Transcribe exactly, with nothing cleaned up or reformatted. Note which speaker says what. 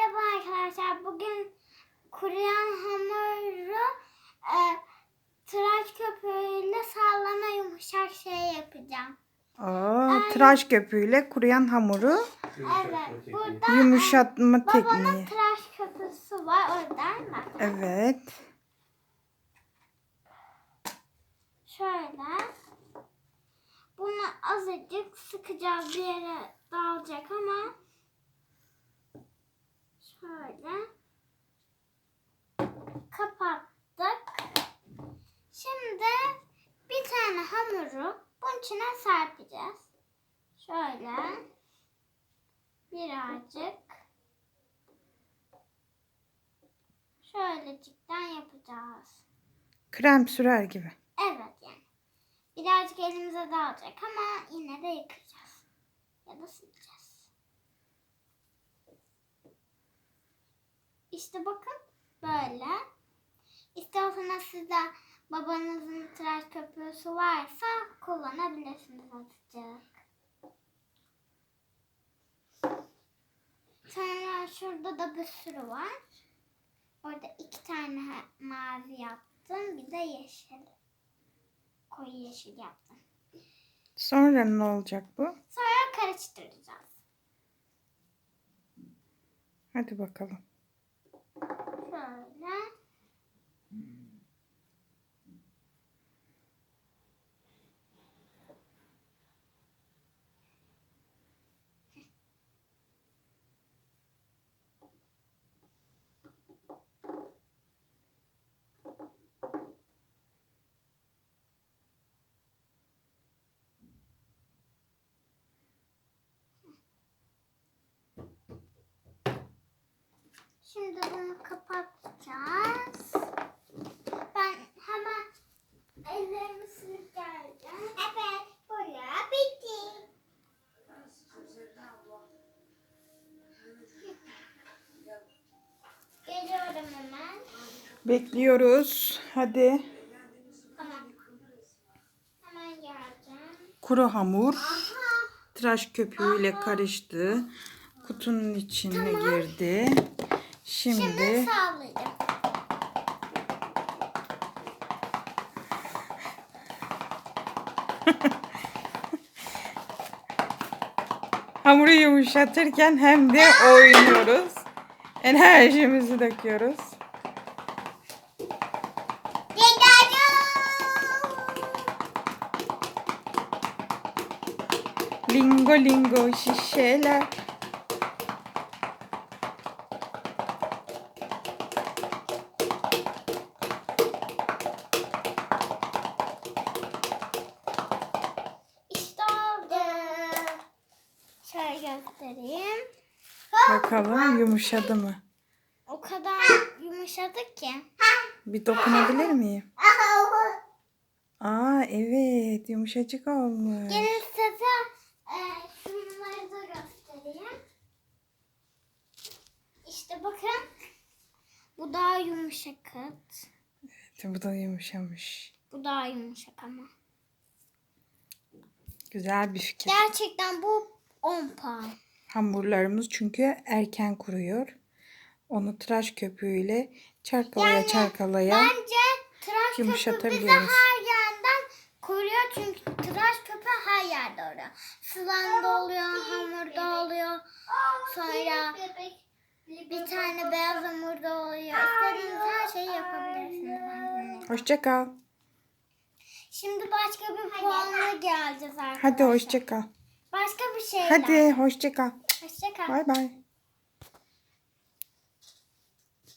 Speaker 1: Merhaba arkadaşlar. Bugün kuruyan hamuru e, tıraş köpüğüyle sallama yumuşak şey yapacağım.
Speaker 2: Aa,
Speaker 1: Ay.
Speaker 2: tıraş köpüğüyle kuruyan hamuru
Speaker 1: Evet. Burada
Speaker 2: yumuşatma
Speaker 1: e,
Speaker 2: tekniği.
Speaker 1: babamın tıraş köpüğü var. Oradan bak.
Speaker 2: Evet.
Speaker 1: Şöyle. Bunu azıcık sıkacağız, bir yere dağılacak ama şöyle kapattık. Şimdi bir tane hamuru bunun içine serpeceğiz. Şöyle birazcık şöylecikten yapacağız.
Speaker 2: Krem sürer gibi.
Speaker 1: Evet yani. Birazcık elimize dağılacak ama yine de yıkayacağız. Ya da sileceğiz. İşte bakın böyle. İstiyorsanız siz de babanızın tıraş köpüğü varsa kullanabilirsiniz azıcık. Sonra şurada da bir sürü var. Orada iki tane mavi yaptım. Bir de yeşil. Koyu yeşil yaptım.
Speaker 2: Sonra ne olacak bu?
Speaker 1: Sonra karıştıracağız.
Speaker 2: Hadi bakalım.
Speaker 1: Şöyle. Şimdi bunu kapatacağız. Ben hemen ellerimi silip geleceğim. Evet, buraya bitti. Geliyorum hemen.
Speaker 2: Bekliyoruz. Hadi.
Speaker 1: Tamam. Hemen geleceğim.
Speaker 2: Kuru hamur
Speaker 1: Aha.
Speaker 2: tıraş köpüğüyle karıştı. Kutunun içine
Speaker 1: Tamam.
Speaker 2: girdi. Şimdi,
Speaker 1: Şimdi sağlayacağım.
Speaker 2: hamuru yumuşatırken hem de oynuyoruz. Enerjimizi döküyoruz. Lingo lingo şişeler.
Speaker 1: İşte oldu. Şöyle göstereyim.
Speaker 2: Bakalım yumuşadı mı?
Speaker 1: O kadar yumuşadı ki.
Speaker 2: Bir dokunabilir miyim? Aa evet, yumuşacık olmuş.
Speaker 1: Gelin size e, şunları da göstereyim. İşte bakın. Bu daha yumuşak.
Speaker 2: Evet, bu da yumuşamış.
Speaker 1: Bu daha yumuşak ama.
Speaker 2: Güzel bir fikir.
Speaker 1: Gerçekten bu on puan.
Speaker 2: Hamurlarımız çünkü erken kuruyor. Onu tıraş köpüğüyle çarkalaya
Speaker 1: Yani
Speaker 2: çarkalaya
Speaker 1: bence tıraş köpüğü bize
Speaker 2: yumuşatabiliyoruz.
Speaker 1: her yerden koruyor. Çünkü tıraş köpüğü her yerde oluyor. Sıvanda oluyor, hamurda oluyor. Sonra bir tane beyaz hamurda oluyor. İstediğiniz her şeyi yapabilirsiniz.
Speaker 2: Hoşça kal.
Speaker 1: Şimdi başka bir puanla geleceğiz arkadaşlar.
Speaker 2: Hadi hoşça kal.
Speaker 1: Başka bir şeyler.
Speaker 2: Hadi hoşça kal.
Speaker 1: Hoşça kal.
Speaker 2: Bay bay.